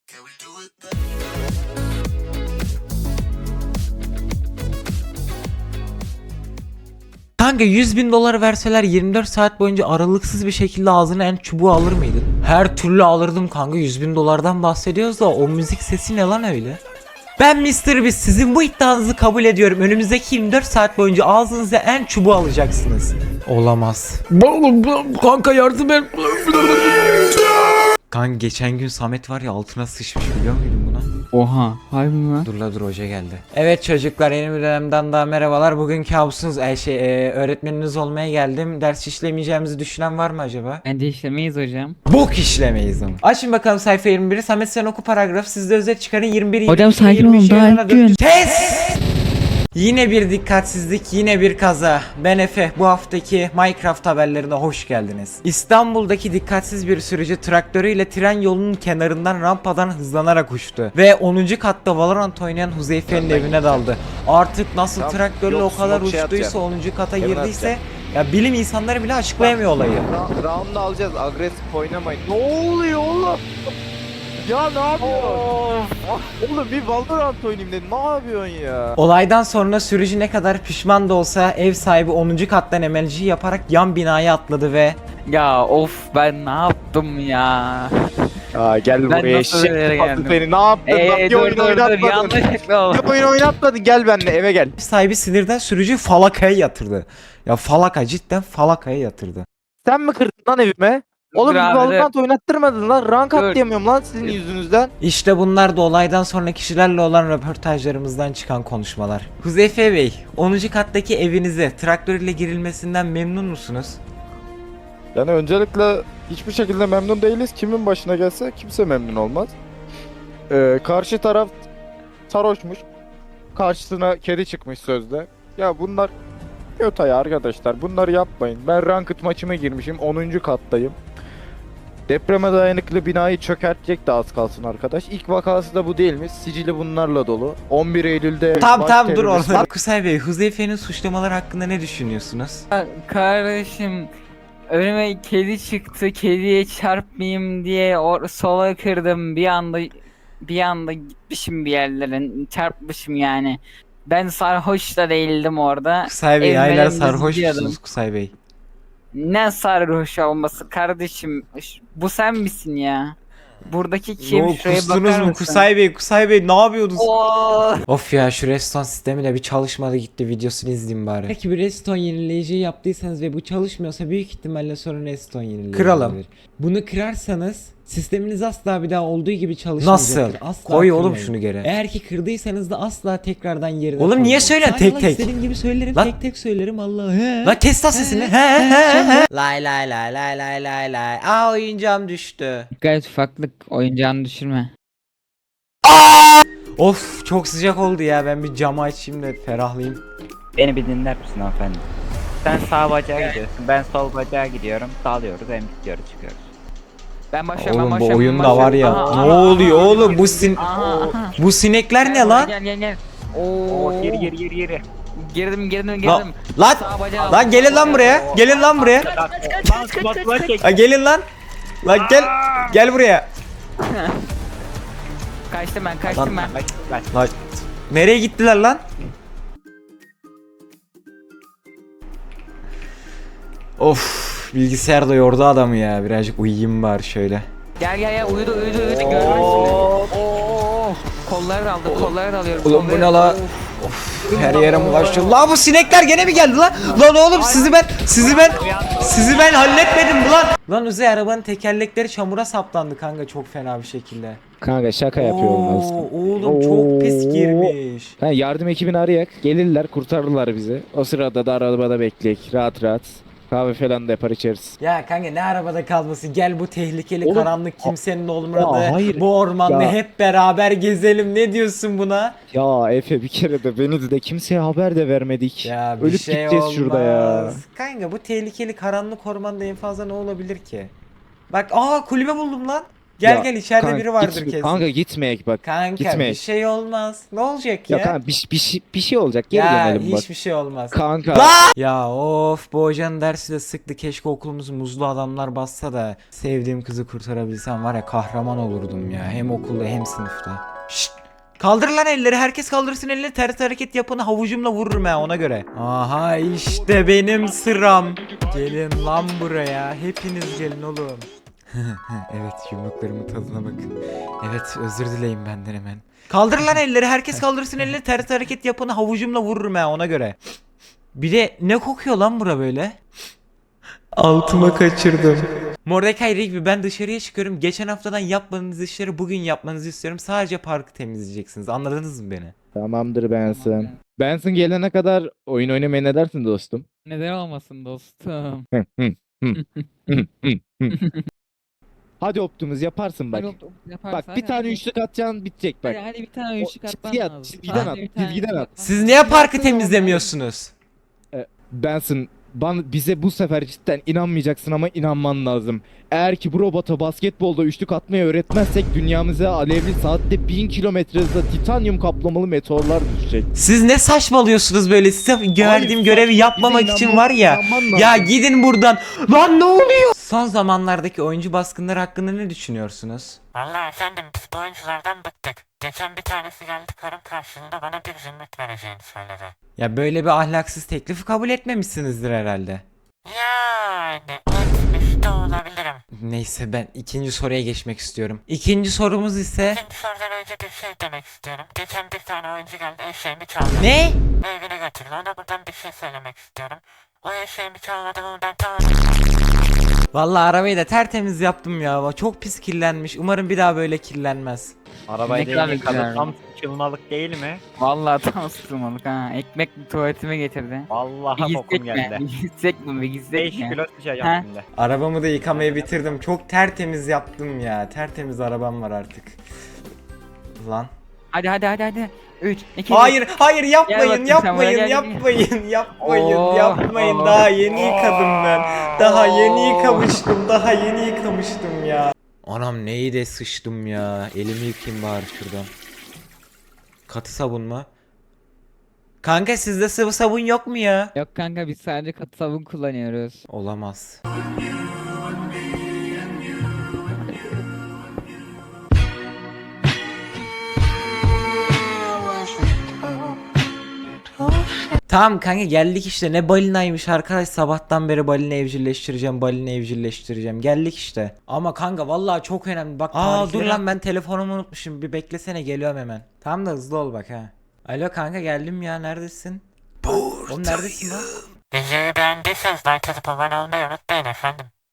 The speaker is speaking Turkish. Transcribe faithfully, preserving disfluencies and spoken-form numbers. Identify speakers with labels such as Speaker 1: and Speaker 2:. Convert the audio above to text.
Speaker 1: Kanka yüz bin dolar verseler yirmi dört saat boyunca aralıksız bir şekilde ağzına en çubuğu alır mıydın? Her türlü alırdım kanka. Yüz bin dolardan bahsediyoruz da o müzik sesi ne lan öyle? Ben mister Beast, sizin bu iddianızı kabul ediyorum. Önümüzdeki yirmi dört saat boyunca ağzınıza en çubuğu alacaksınız. Olamaz. Kanka yardım et. Kanka geçen gün Samet var ya altına sıçmış, biliyor muydun buna?
Speaker 2: Oha, harbi mi?
Speaker 1: Dur la dur, hoca geldi. Evet çocuklar, yeni bir dönemden daha merhabalar. Bugün kabusunuz e, şey e, öğretmeniniz olmaya geldim. Ders işlemeyeceğimizi düşünen var mı acaba?
Speaker 2: Bence işlemeyiz hocam.
Speaker 1: Bok işlemeyiz ama. Açın bakalım sayfa yirmi biri. Samet sen oku paragraf. Siz de özet çıkarın. yirmi bir
Speaker 2: Hocam sakin olun, daha ilk gün.
Speaker 1: Test! Yine bir dikkatsizlik, yine bir kaza. Ben Efe, bu haftaki Minecraft haberlerine hoş geldiniz. İstanbul'daki dikkatsiz bir sürücü traktörüyle tren yolunun kenarından rampadan hızlanarak uçtu. Ve onuncu katta Valorant oynayan Huzeyfe'nin evine daldı. Artık nasıl
Speaker 3: Tamam,
Speaker 1: traktörle
Speaker 3: yok,
Speaker 1: o kadar
Speaker 3: smoke şey
Speaker 1: uçtuysa,
Speaker 3: atacağım.
Speaker 1: onuncu kata
Speaker 3: Hemen
Speaker 1: girdiyse ya bilim insanları bile açıklayamıyor olayı.
Speaker 3: Ra- Round'u alacağız. Agresif oynamayın. Ne oluyor oğlum? Ya ne yapıyorsun? Oğlum bir Valorant oynayayım dedim. Ne yapıyorsun ya?
Speaker 1: Olaydan sonra sürücü ne kadar pişman da olsa ev sahibi onuncu kattan emelci yaparak yan binaya atladı ve
Speaker 2: Ya of, ben ne yaptım ya?
Speaker 3: Aa gel
Speaker 2: Ben
Speaker 3: buraya
Speaker 2: nasıl
Speaker 3: eşek
Speaker 2: nereye
Speaker 3: sıfatı
Speaker 2: geldim?
Speaker 3: seni. Ne yaptın? Bak
Speaker 2: Eee
Speaker 3: bir
Speaker 2: dur
Speaker 3: oyun
Speaker 2: dur dur,
Speaker 3: oynatmadın.
Speaker 2: yanlışlıkla oldu.
Speaker 3: Bir oyun oynatmadın. Gel benimle eve gel.
Speaker 1: ev sahibi sinirden sürücüyü falakaya yatırdı. Ya falaka, cidden falakaya yatırdı.
Speaker 3: Sen mi kırdın lan evime? Oğlum
Speaker 2: Dur
Speaker 3: bir
Speaker 2: abi,
Speaker 3: Valorant oynattırmadın lan. Rank
Speaker 2: Dur.
Speaker 3: atlayamıyorum lan sizin yüzünüzden.
Speaker 1: İşte bunlar da olaydan sonra kişilerle olan röportajlarımızdan çıkan konuşmalar. Huzeyfe Bey, onuncu kattaki evinize traktör ile girilmesinden memnun musunuz?
Speaker 4: Yani öncelikle hiçbir şekilde memnun değiliz. Kimin başına gelse kimse memnun olmaz. Ee, karşı taraf sarhoşmuş. Karşısına kedi çıkmış sözde. Ya bunlar kötü ya arkadaşlar. Bunları yapmayın. Ben ranked maçıma girmişim. onuncu kattayım. Depreme dayanıklı binayı çökertecek de az kalsın arkadaş. İlk vakası da bu değil mi? Sicili bunlarla dolu. on bir Eylül'de
Speaker 1: Tam
Speaker 4: baş
Speaker 1: tam dur
Speaker 4: terörist-
Speaker 1: orada. Kusay Bey, Huzeyfe'nin suçlamaları hakkında ne düşünüyorsunuz?
Speaker 2: Kardeşim, önüme kedi çıktı, kediye çarpmayayım diye or sola kırdım, bir anda bir anda gitmişim bir yerlere, çarpmışım yani. Ben sarhoş da değildim orada.
Speaker 1: Kusay Bey,
Speaker 2: Evime
Speaker 1: aylar
Speaker 2: dümdüz
Speaker 1: sarhoşsunuz
Speaker 2: gidiyordum.
Speaker 1: Kusay Bey.
Speaker 2: Ne sarhoş olması kardeşim? Ş- Bu sen misin ya? Buradaki kim?
Speaker 1: Yo,
Speaker 2: Şuraya
Speaker 1: kustunuz
Speaker 2: bakar
Speaker 1: mu
Speaker 2: mısın?
Speaker 1: Kusay Bey? Kusay Bey ne yapıyordunuz?
Speaker 2: Oo!
Speaker 1: Of ya, şu reston sistemi de bir çalışmadı gitti, videosunu izleyeyim bari. Peki bir reston yenileyiciyi yaptıysanız ve bu çalışmıyorsa büyük ihtimalle sorun reston yenileyici. Kıralım. Bunu kırarsanız sisteminiz asla bir daha olduğu gibi çalışmayacaktır.
Speaker 5: Nasıl?
Speaker 1: Asla
Speaker 5: Koy oğlum
Speaker 1: kırmayın.
Speaker 5: şunu geri.
Speaker 1: Eğer ki kırdıysanız da asla tekrardan yerine
Speaker 5: Oğlum niye
Speaker 1: koymayın.
Speaker 5: söylüyorsun
Speaker 1: Sadece
Speaker 5: tek tek?
Speaker 1: İstediğim gibi söylerim,
Speaker 5: Lan-
Speaker 1: tek tek söylerim Allah. He.
Speaker 5: La kes lan sesini.
Speaker 1: He he he he. Lay lay lay lay lay lay lay. Aa, oyuncağım düştü.
Speaker 2: Gayet ufaklık, oyuncağını düşürme.
Speaker 1: Of, çok sıcak oldu ya, ben bir camı açayım da ferahlayayım.
Speaker 6: Beni bir dinler misin hanımefendi? Sen sağ bacağa gidiyorsun, ben sol bacağa gidiyorum. Dalıyoruz, hem gidiyoruz, çıkıyoruz.
Speaker 2: Ben başlıyorum,
Speaker 1: Oğlum
Speaker 2: ben
Speaker 1: bu
Speaker 2: başlıyorum,
Speaker 1: oyunda
Speaker 2: ben
Speaker 1: var ya.
Speaker 2: başlıyorum.
Speaker 1: Ne
Speaker 2: Aha, aha,
Speaker 1: oluyor
Speaker 2: aha,
Speaker 1: oğlum,
Speaker 2: aha,
Speaker 1: bu sin
Speaker 2: aha, aha.
Speaker 1: bu sinekler
Speaker 2: Gel
Speaker 1: ne
Speaker 2: buraya,
Speaker 1: lan?
Speaker 2: Gel gel gel. Oo.
Speaker 6: Oo, geri geri geri geri.
Speaker 2: Girdim girdim
Speaker 1: La-
Speaker 2: girdim.
Speaker 1: Lan
Speaker 2: Sağ bacağı-
Speaker 1: lan gelin lan buraya. Gelin lan buraya. Ha, gelin lan. Lan gel. Gel buraya.
Speaker 2: Kaçtım ben, kaçtım ben.
Speaker 1: Lan nereye gittiler lan? Of, bilgisayar da yordu adamı ya. Birazcık uyuyayım bari şöyle.
Speaker 2: Gel gel gel, uyudu uyudu uyudu, görmez. Oo. Kolları da aldı, kolları da alıyorum.
Speaker 1: Oğlum bu
Speaker 2: kolları-
Speaker 1: ne la?
Speaker 2: Of.
Speaker 1: Her yere bulaştı. La bu sinekler gene mi geldi lan? Lan oğlum sizi ben sizi ben sizi ben halletmedim mi lan? Lan Uzay, arabanın tekerlekleri çamura saplandı kanka, çok fena bir şekilde.
Speaker 4: Kanka şaka yapıyorum
Speaker 1: Oo,
Speaker 4: aslında.
Speaker 1: oğlum çok pis
Speaker 4: Oo.
Speaker 1: girmiş.
Speaker 4: Ha, yardım ekibini arayak. Gelirler, kurtarırlar bizi. O sırada da arabada bekleyek. Rahat rahat. Kahve falan da yapar içeriz.
Speaker 1: Ya kanka ne arabada kalması, gel bu tehlikeli
Speaker 4: Oğlum,
Speaker 1: karanlık kimsenin olmadığı
Speaker 4: ya hayır.
Speaker 1: bu ormanda
Speaker 4: Ya.
Speaker 1: hep beraber gezelim, ne diyorsun buna?
Speaker 4: Ya Efe, bir kere de beni de kimseye haber de vermedik.
Speaker 1: Ya bir
Speaker 4: Ölüp
Speaker 1: şey
Speaker 4: gideceğiz
Speaker 1: olmaz.
Speaker 4: şurada ya.
Speaker 1: Kanka bu tehlikeli karanlık ormanda en fazla ne olabilir ki? Bak, aa, kulübe buldum lan. Gel
Speaker 4: Ya,
Speaker 1: gel içeride
Speaker 4: Kanka,
Speaker 1: biri vardır
Speaker 4: gitme-
Speaker 1: kesin.
Speaker 4: Kanka gitmeyek bak.
Speaker 1: Kanka
Speaker 4: gitme.
Speaker 1: bir şey olmaz. Ne olacak ya?
Speaker 4: Ya kanka bir, bir, şey- bir şey olacak. Geri
Speaker 1: ya
Speaker 4: dönelim bak.
Speaker 1: hiçbir şey olmaz.
Speaker 4: Kanka.
Speaker 1: Ya of bu hocanın dersi de sıktı. Keşke okulumuz muzlu adamlar bassa da sevdiğim kızı kurtarabilsem var ya kahraman olurdum ya. Hem okulda hem sınıfta. Şşt! Kaldır lan elleri. Herkes kaldırsın elini. Ters hareket yapanı havucumla vururum ha ona göre. Aha işte benim sıram. Gelin lan buraya. Hepiniz gelin oğlum. Evet yumruklarımın tadına bakın. Evet özür dileyin benden hemen. Kaldır lan elleri. Herkes kaldırsın elini. Ters hareket yapanı havucumla vururum ha ona göre. Bir de ne kokuyor lan bura böyle? Altıma kaçırdım. Mordecai Rigby ben dışarıya çıkıyorum. Geçen haftadan yapmadığınız işleri bugün yapmanızı istiyorum. Sadece parkı temizleyeceksiniz. Anladınız mı beni?
Speaker 4: Tamamdır Benson. Benson gelene kadar oyun oynamaya ne dersin dostum?
Speaker 2: Neden olmasın dostum?
Speaker 4: Hı, hı, hı, hı, hı, hı. Hadi Optimus yaparsın bak. Bak bir tane üçlük atacaksın bitecek bak.
Speaker 2: Hadi, hadi bir tane
Speaker 4: O
Speaker 2: üçlük atman
Speaker 4: çizgiye at,
Speaker 2: lazım.
Speaker 4: çizgiden
Speaker 2: Hadi
Speaker 4: at,
Speaker 2: bir tane
Speaker 4: çizgiden
Speaker 2: üçlük
Speaker 4: at.
Speaker 2: atman
Speaker 1: Siz
Speaker 2: lazım.
Speaker 1: niye parkı temizlemiyorsunuz?
Speaker 4: Benson ban, bize bu sefer cidden inanmayacaksın ama inanman lazım. Eğer ki bu robota basketbolda üçlük atmayı öğretmezsek dünyamıza alevli saatte bin kilometre hızla titanyum kaplamalı meteorlar düşecek.
Speaker 1: Siz ne saçmalıyorsunuz böyle? Size verdiğim
Speaker 4: Hayır,
Speaker 1: görevi
Speaker 4: bize
Speaker 1: yapmamak için
Speaker 4: inanman-
Speaker 1: var ya.
Speaker 4: inanman
Speaker 1: Ya
Speaker 4: lazım.
Speaker 1: gidin buradan. Lan ne oluyor? Son zamanlardaki oyuncu baskınları hakkında ne düşünüyorsunuz?
Speaker 5: Vallahi efendim biz bu oyunculardan bıktık. Geçen bir tanesi geldi karım karşılığında bana bir zümrüt vereceğini söyledi.
Speaker 1: Ya böyle bir ahlaksız teklifi kabul etmemişsinizdir herhalde.
Speaker 5: Yani etmiş de olabilirim.
Speaker 1: Neyse ben ikinci soruya geçmek istiyorum. İkinci sorumuz ise...
Speaker 5: İkinci sorudan önce bir şey demek istiyorum. Geçen bir tane oyuncu geldi eşeğimi çaldı.
Speaker 1: Ne?
Speaker 5: Evine götürdü. Ona buradan bir şey söylemek istiyorum. O eşeğimi çalmadı mı ben tamam.
Speaker 1: Vallahi arabayı da tertemiz yaptım ya. Çok pis kirlenmiş. Umarım bir daha böyle kirlenmez.
Speaker 6: Arabayı
Speaker 2: Ne kadar
Speaker 6: da yıkadı
Speaker 2: güzel.
Speaker 6: tam sıçılmalık değil mi?
Speaker 2: Vallahi tam sıkılmalık ha. Ekmek tuvaletime getirdi.
Speaker 6: Vallahi
Speaker 2: Bir
Speaker 6: kokum
Speaker 2: gitsek mi?
Speaker 6: geldi.
Speaker 2: Bir gitsek mi? Bir gitsek
Speaker 6: beş
Speaker 2: mi?
Speaker 6: kilo
Speaker 2: Ha?
Speaker 6: sıçacağım şimdi.
Speaker 1: Arabamı da yıkamayı bitirdim. Çok tertemiz yaptım ya. Tertemiz arabam var artık. Lan.
Speaker 2: Hadi hadi hadi hadi. üç, iki,
Speaker 1: Hayır, hayır
Speaker 2: Gel
Speaker 1: yapmayın,
Speaker 2: bakayım sen buraya,
Speaker 1: yapmayın,
Speaker 2: gel, gel.
Speaker 1: yapmayın, yapmayın,
Speaker 2: Oo,
Speaker 1: yapmayın.
Speaker 2: oo.
Speaker 1: Daha yeni yıkadım ben. Daha yeni yıkamıştım, daha yeni yıkamıştım ya. Anam neyi de sıçtım ya. Elimi yıkayayım bari şuradan. Katı sabun mu? Kanka sizde sıvı sabun yok mu ya?
Speaker 2: Yok kanka biz sadece katı sabun kullanıyoruz.
Speaker 1: Olamaz. Tamam kanka geldik işte ne balinaymış arkadaş sabahtan beri balina evcilleştireceğim balina evcilleştireceğim geldik işte. Ama kanka vallahi çok önemli bak. Aa dur lan ben telefonumu unutmuşum bir beklesene geliyorum hemen. Tamam da hızlı ol bak ha. Alo kanka geldim ya neredesin? Oğlum neredesin lan?
Speaker 5: Videoyu beğendiyseniz like atıp abone olmayı unutmayın efendim.